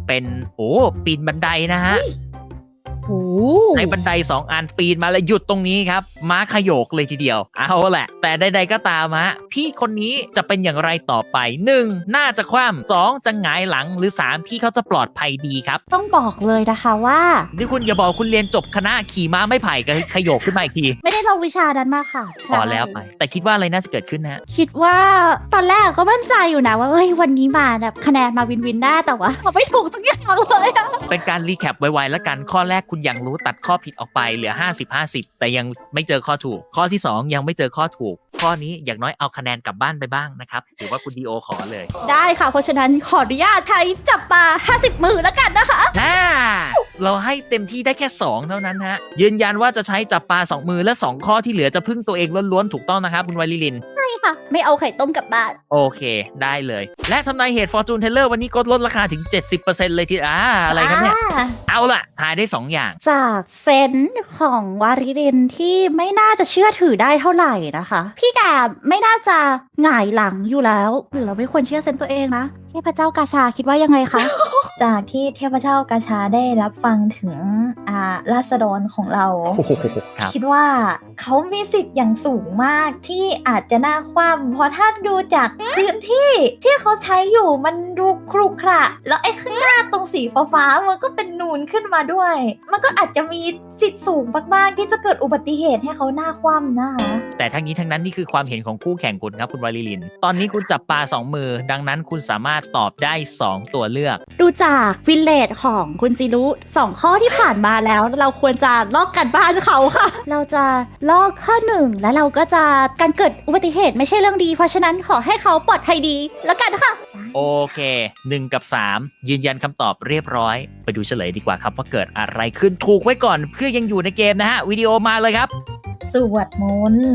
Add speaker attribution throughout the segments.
Speaker 1: เป็นปีนบันไดนะฮะในบันได2 อันปีนมาแล้วหยุดตรงนี้ครับม้าขยโยกเลยทีเดียวเอาแหละแต่ใดๆก็ตามฮะพี่คนนี้จะเป็นอย่างไรต่อไป1น่าจะคว่ำ2จะหงายหลังหรือ3พี่เขาจะปลอดภัยดีครับ
Speaker 2: ต้องบอกเลยนะคะว่า
Speaker 1: ที่คุณอย่าบอกคุณเรียนจบคณะขี่ม้าไม่ไผ่กับขยโยกขึ้นมาอีกที
Speaker 2: ไม่ได้ลงวิชานั้นมาค่ะ
Speaker 1: พอแล้วไปแต่คิดว่าอะไรน่าจะเกิดขึ้นฮะ
Speaker 2: คิดว่าตอนแรกก็มั่นใจอยู่นะว่าเฮ้ยวันนี้มาแบบคะแนนมาวินได้แต่ว่าไม่ถูกสักอย่างเลยอะ
Speaker 1: เป็นการรีแคปไวๆแล้วกันข้อแรกคุณยังรู้ตัดข้อผิดออกไปเหลือ50-50แต่ยังไม่เจอข้อถูกข้อที่2ยังไม่เจอข้อถูกข้อนี้อย่างน้อยเอาคะแนนกลับบ้านไปบ้างนะครับถือว่าคุณดีโอขอเลย
Speaker 2: ได้ค่ะเพราะฉะนั้นขออนุญาตใช้จับปลา50 มือแล้วกันนะคะ
Speaker 1: เราให้เต็มที่ได้แค่2เท่านั้นฮะยืนยันว่าจะใช้จับปลา2 มือและ2ข้อที่เหลือจะพึ่งตัวเองล้วนๆถูกต้องนะครับคุณไวลิลิน
Speaker 2: ใช่ค่ะไม่เอาไข่ต้มกลับบ้าน
Speaker 1: โอเคได้เลยและทำนายเหตุ Fortune Teller วันนี้ลดราคาถึง 70% เลยทีอะไรครับเนี่ยเอาล่ะทายได้2อย่าง
Speaker 2: จากเซนส์ของวาริลินที่ไม่น่าจะเชื่อถือได้เท่าไหร่นะคะพี่แกไม่น่าจะหงายหลังอยู่แล้วหรือเราไม่ควรเชื่อเซนส์ตัวเองนะเทพเจ้ากาชาคิดว่ายังไงคะ
Speaker 3: จากที่เทพเจ้ากาชาได้รับฟังถึงราษฎรของเรา คิดว่าเขามีสิทธิ์อย่างสูงมากที่อาจจะน่าคว่ำเพราะถ้าดูจากพื้นที่ที่เขาใช้อยู่มันดูครุขระแล้วไอ้ข้างหน้าตรงสีฟ้าๆมันก็เป็นนูนขึ้นมาด้วยมันก็อาจจะมีสิทธิ์สูงมากๆที่จะเกิดอุบัติเหตุให้เขาหน้าคว่ำนะคะ
Speaker 1: แต่ทั้งนี้ทั้งนั้นนี่คือความเห็นของคู่แข่งคุณครับคุณวาลิลินตอนนี้คุณจับปลา2 มือดังนั้นคุณสามารถตอบได้2 ตัวเลือก
Speaker 2: ดูจากวินเลจของคุณจิรุ2 ข้อที่ผ่านมาแล้วเราควรจะลอกกันบ้านเขาค่ะเราจะลอกข้อ1และเราก็จะการเกิดอุบัติเหตุไม่ใช่เรื่องดีเพราะฉะนั้นขอให้เขาปลอดภัยดีแล้วกันค่ะ
Speaker 1: โอเค1กับ3ยืนยันคำตอบเรียบร้อยไปดูเฉลยดีกว่าครับว่าเกิดอะไรขึ้นถูกไว้ก่อนเพื่อยังอยู่ในเกมนะฮะวิดีโอมาเลยครับ
Speaker 3: สวดมนต์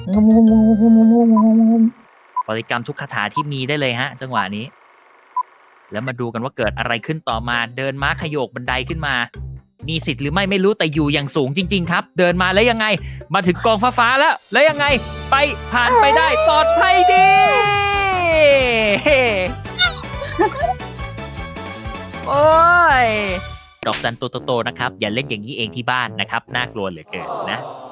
Speaker 1: บริกรรมทุกคาถาที่มีได้เลยฮะจังหวะนี้แล้วมาดูกันว่าเกิดอะไรขึ้นต่อมาเดินม้าขยโยกบันไดขึ้นมามีสิทธิ์หรือไม่รู้แต่อยู่อย่างสูงจริงๆครับเดินมาแล้วยังไงมาถึงกองฟ้าแล้วยังไงไปผ่านไปได้ปลอดภัยดีโอ้ยดอกจันโตๆนะครับอย่าเล่นอย่างนี้เองที่บ้านนะครับน่ากลัวเหลือเกินนะ